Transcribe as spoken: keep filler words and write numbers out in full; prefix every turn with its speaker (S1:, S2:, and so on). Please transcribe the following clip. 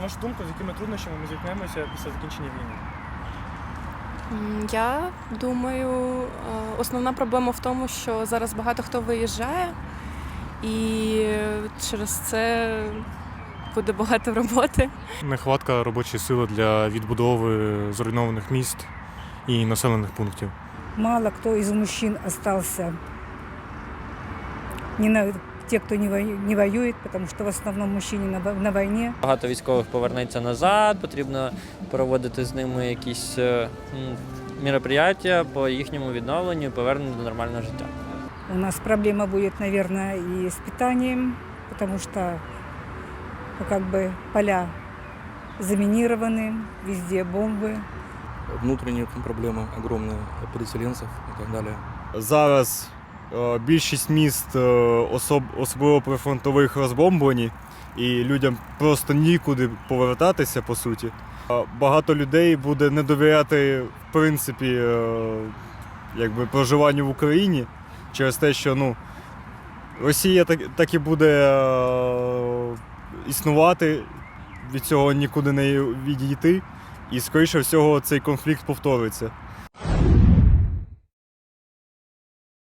S1: вашу думку, з якими труднощами ми зіткнемося після закінчення війни?
S2: М, Я думаю, е, основна проблема в тому, що зараз багато хто виїжджає, і через це буде багато роботи.
S3: Нехватка робочої сили для відбудови зруйнованих міст і населених пунктів.
S4: Мало кто из мужчин остался, не на, те, кто не, вою- не воюет, потому что в основном мужчины на, во- на войне.
S5: Багато військових повернеться назад, потрібно проводити з ними якісь е, м, мероприятия по їхньому відновленню і поверненню до нормального життя.
S4: У нас проблема будет, наверное, и с питанием, потому что ну, как бы поля заминированы, везде бомбы.
S6: Внутренние там проблемы огромные переселенцев и так далее.
S7: Зараз е, більшість міст, е, особ, особливо прифронтових, розбомблені, і людям просто нікуди повертатися, по суті. Е, Багато людей буде не довіряти, в принципі, е, якби, проживанню в Україні через те, що ну, Росія так, так і буде е, існувати, від цього нікуди не відійти, і, скоріше всього, цей конфлікт повториться.